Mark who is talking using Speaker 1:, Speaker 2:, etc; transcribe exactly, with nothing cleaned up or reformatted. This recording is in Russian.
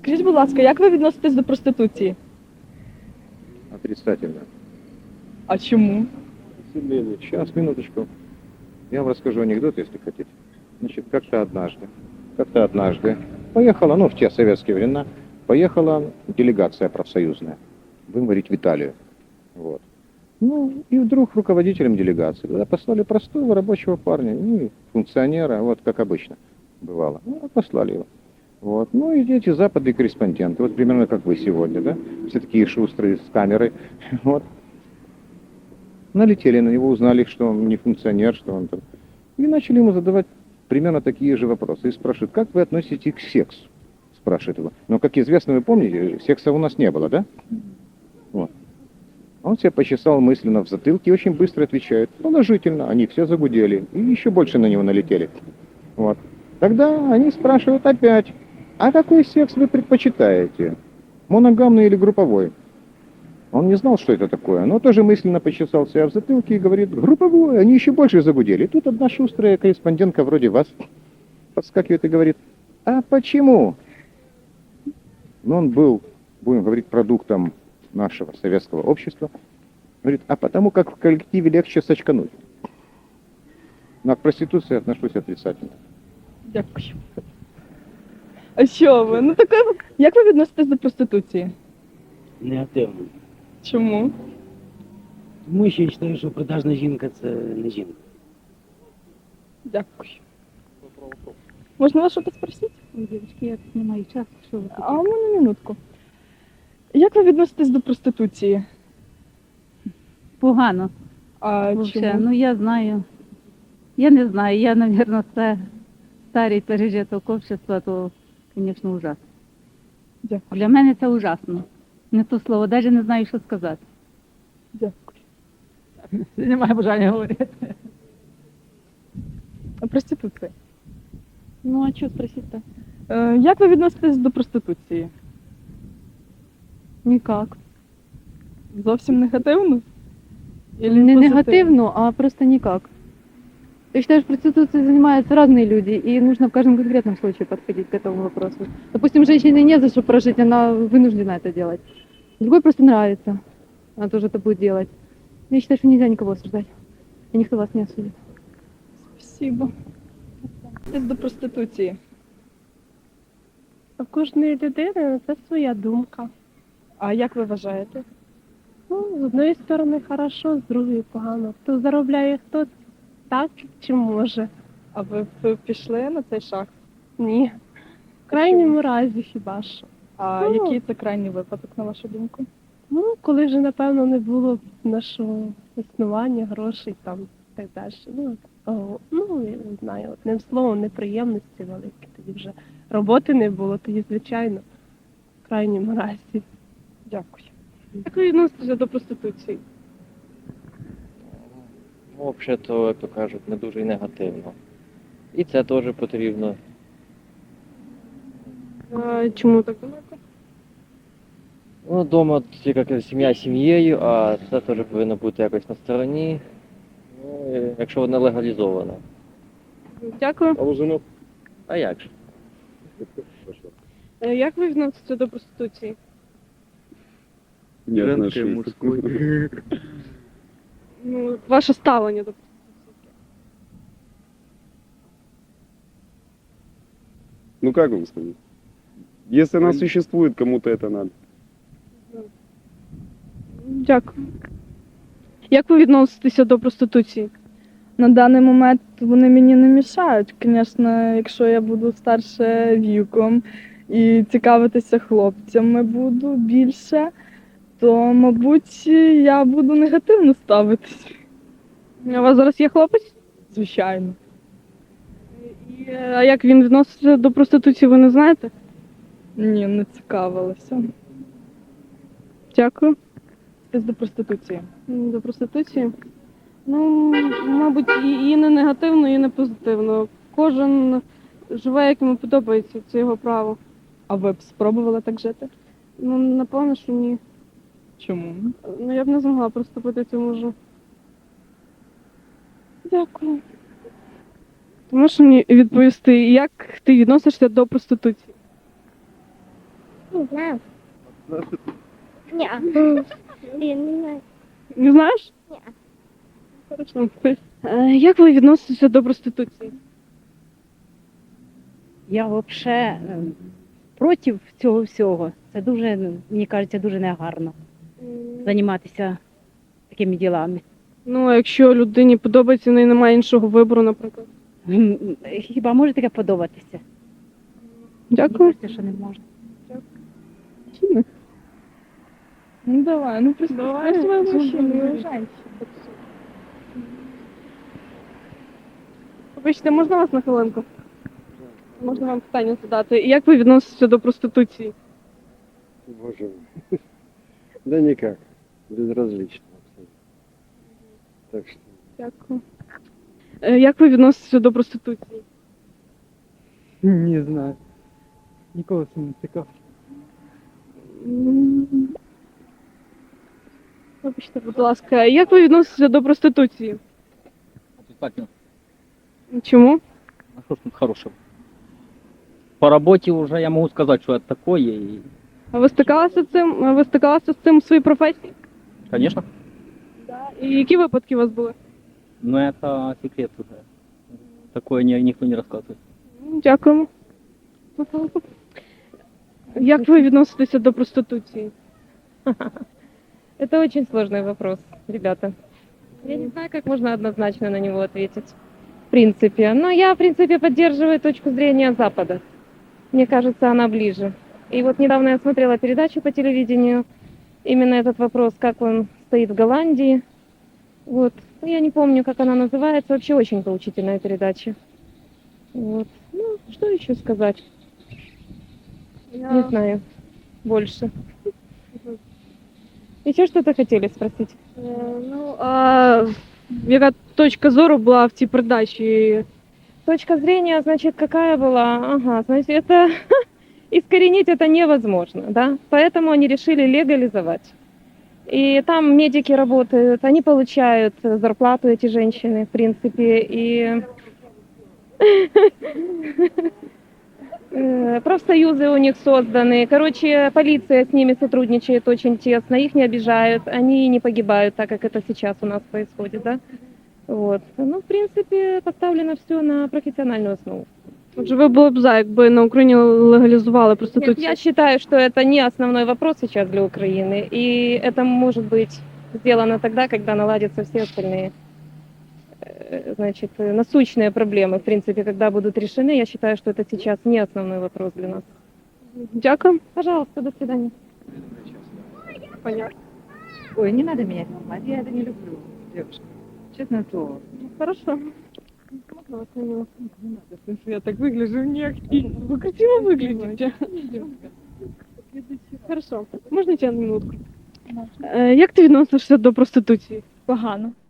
Speaker 1: Скажіть, будь ласка, як ви відноситесь до проституції?
Speaker 2: Отрицательно.
Speaker 1: А чому?
Speaker 2: Сейчас, минуточку. Я вам расскажу анекдот, если хотите. Значит, как-то однажды, как-то однажды поехала, ну, в те советские времена, поехала делегация профсоюзная, будем говорить, в Италию. Вот. Ну, и вдруг руководителем делегации туда послали простого рабочего парня, ну, функционера, вот как обычно бывало. Ну, послали его. Вот. Ну и эти западные корреспонденты, вот примерно как вы сегодня, да, все такие шустрые с камерой, вот. Налетели на него, узнали, что он не функционер, что он там. И начали ему задавать примерно такие же вопросы. И спрашивают, как вы относитесь к сексу? Спрашивает его. Но, как известно, вы помните, секса у нас не было, да? Вот. Он себя почесал мысленно в затылке и очень быстро отвечает. Положительно. Они все загудели. И еще больше на него налетели. Вот. Тогда они спрашивают опять, а какой секс вы предпочитаете? Моногамный или групповой? Он не знал, что это такое, но тоже мысленно почесал себя в затылке и говорит, групповой, они еще больше загудели. И тут одна шустрая корреспондентка вроде вас подскакивает и говорит, а почему? Но он был, будем говорить, продуктом нашего советского общества. Говорит, а потому как в коллективе легче сочкануть. Но к проституции отношусь отрицательно.
Speaker 1: Дякую. А що ви? Ну таке, як ви відноситесь до проституції?
Speaker 3: Негативно.
Speaker 1: Чому?
Speaker 3: Тому що я вважаю, що продажна жінка це не жінка.
Speaker 1: Дякую. Можна вас щось спросити?
Speaker 4: Ой, дівчатки, я тут не маю часу, що ви
Speaker 1: А у
Speaker 4: хотіли?
Speaker 1: мене минутку. Як ви відноситесь до проституції?
Speaker 4: Погано.
Speaker 1: А
Speaker 4: Вообще,
Speaker 1: чому?
Speaker 4: ну я знаю. Я не знаю, я, мабуть, це старий пережиток общества, то, звісно, ужасно.
Speaker 1: Дякую.
Speaker 4: Для мене це ужасно. Не то слово, навіть не знаю, що сказати.
Speaker 1: Дякую.
Speaker 4: Немає бажання говорити.
Speaker 1: А проституція?
Speaker 4: Ну, а що спросити?
Speaker 1: Е, як ви відноситесь до проституції?
Speaker 5: Никак.
Speaker 1: Зовсім негативно? Или
Speaker 5: Не
Speaker 1: позитивно?
Speaker 5: негативно, а просто никак. Я считаю, что проституцией занимаются разные люди, и нужно в каждом конкретном случае подходить к этому вопросу. Допустим, женщине не за что прожить, она вынуждена это делать. Другой просто нравится, она тоже это будет делать. Я считаю, что нельзя никого осуждать, и никто вас не осудит.
Speaker 1: Спасибо. Відноситесь до проституції?
Speaker 6: У кожної людини це своя думка.
Speaker 1: А як ви вважаєте?
Speaker 6: Ну, з одної сторони хорошо, з другої погано. Хто заробляє, хто так чи може.
Speaker 1: А ви б пішли на цей шаг?
Speaker 6: Ні. В крайньому разі хіба що.
Speaker 1: А
Speaker 6: Ну.
Speaker 1: який це крайній випадок, на вашу думку?
Speaker 6: Ну, коли вже, напевно, не було нашого існування, грошей там і так далі. Ну, о, ну, я не знаю, одним словом, неприємності великі. Тоді вже роботи не було, тоді, звичайно, в крайньому разі.
Speaker 1: Дякую. Як ви відноситеся до проституції?
Speaker 7: Ну, взагалі-то, як то кажуть, не дуже й негативно. І це теж потрібно.
Speaker 1: А, чому так думаєте?
Speaker 7: Ну, вдома тільки сім'я сім'єю, а це теж повинно бути якось на стороні. Ну, і якщо воно легалізовано.
Speaker 1: Дякую.
Speaker 2: А у жену?
Speaker 7: А як же?
Speaker 1: Е, Як ви відноситеся до проституції?
Speaker 2: Не
Speaker 7: Женської, мужської.
Speaker 1: Ну, ваше ставлення до проституції?
Speaker 8: Ну как вам сказать? Если она существует, кому-то это надо.
Speaker 1: Дякую. Як ви відноситеся до проституції? На даний момент вони мені не мішають. Звісно, якщо я буду старше віком і цікавитися хлопцями буду більше, то, мабуть, я буду негативно ставитись.
Speaker 5: У вас зараз є хлопець?
Speaker 1: Звичайно.
Speaker 5: І, а як він відноситься до проституції, ви не знаєте?
Speaker 1: Ні, не цікавилася.
Speaker 5: Дякую.
Speaker 1: Це до проституції.
Speaker 5: М, До проституції. Ну, мабуть, і, і не негативно, і не позитивно. Кожен живе, як йому подобається, це його право.
Speaker 1: А ви б спробували так жити?
Speaker 5: Ну, напевно, що ні.
Speaker 1: Чому?
Speaker 5: Ну, я б не змогла приступити цьому вже.
Speaker 1: Дякую.
Speaker 5: Ти можеш мені відповісти, як ти відносишся до проституції?
Speaker 9: Не знаю. Не. Я не знаю.
Speaker 1: Не знаєш?
Speaker 9: Ні.
Speaker 1: Хорошо. Е, Як ви відноситеся до проституції?
Speaker 10: Я взагалі проти цього всього. Це дуже, мені кажеться, дуже негарно займатися такими ділами.
Speaker 1: Ну, а якщо людині подобається, в неї немає іншого вибору, наприклад.
Speaker 10: М, Хіба може таке подобатися? Мені
Speaker 1: Дякую.
Speaker 10: кажеться, що не можна.
Speaker 1: Ну давай, ну представь своего мужчину и женщину. Вибачте, можна вас на хвилинку? Можна вам питання задати? Як ви відноситеся до проституції?
Speaker 11: Боже мой. Да никак. Безразлично абсолютно. Так что
Speaker 1: Дякую. Е, Як ви відноситеся до проституції?
Speaker 3: Не знаю. Ніколи цим не цікав.
Speaker 1: М. Вибачте, будь ласка, як ви відноситеся до проституції?
Speaker 12: Отрицательно.
Speaker 1: Чому?
Speaker 12: А что ж тут хорошего? По работе уже я могу сказать, что это такое. И,
Speaker 1: А ви стикалися з цим? Ви стикалися з цим в своїй професії?
Speaker 12: конечно,
Speaker 1: І які випадки у вас були?
Speaker 12: но это секрет уже. Такое ни- никто не рассказывает.
Speaker 1: М, Дякуємо. На хвилинку. Як ви відноситеся до проституції?
Speaker 6: Это очень сложный вопрос, ребята. Я не знаю, как можно однозначно на него ответить. В принципе. Но я, в принципе, поддерживаю точку зрения Запада. Мне кажется, она ближе. И вот недавно я смотрела передачу по телевидению. Именно этот вопрос, как он стоит в Голландии. Вот. Ну, я не помню, как она называется. Вообще очень поучительная передача. Вот. Ну, что еще сказать? Не знаю. Больше. Еще что-то хотели спросить?
Speaker 1: Е, Ну, а яка точка зору була в цій передачі?
Speaker 6: Точка зрения, значит, какая была? Ага, значит, это искоренить это невозможно, да? Поэтому они решили легализовать. И там медики работают, они получают зарплату, эти женщины, в принципе, и э, профсоюзы у них созданы. Короче, полиция с ними сотрудничает очень тесно, их не обижают, они не погибают, так как это сейчас у нас происходит, да? Вот. Ну, в принципе, поставлено все на профессиональную основу.
Speaker 1: Отже, ви були б за, якби на Україні легалізували
Speaker 6: Нет,
Speaker 1: проституцію?
Speaker 6: я считаю, что это не основной вопрос сейчас для Украины, и это может быть сделано тогда, когда наладятся все остальные, э, значит, э, насущные проблемы, в принципе, когда будут решены. Я считаю, что это сейчас не основной вопрос для нас.
Speaker 1: Дякую.
Speaker 6: Пожалуйста, до свидания.
Speaker 1: Понятно.
Speaker 10: Ой, не треба мене знімати, я це не люблю, дівчинка. Чесне слово.
Speaker 1: Хорошо. Я так выгляжу, нет. Вы красиво выглядите. Хорошо. Можна тебе на минутку? Е, Як ти відносишся до проституції?
Speaker 13: Погано.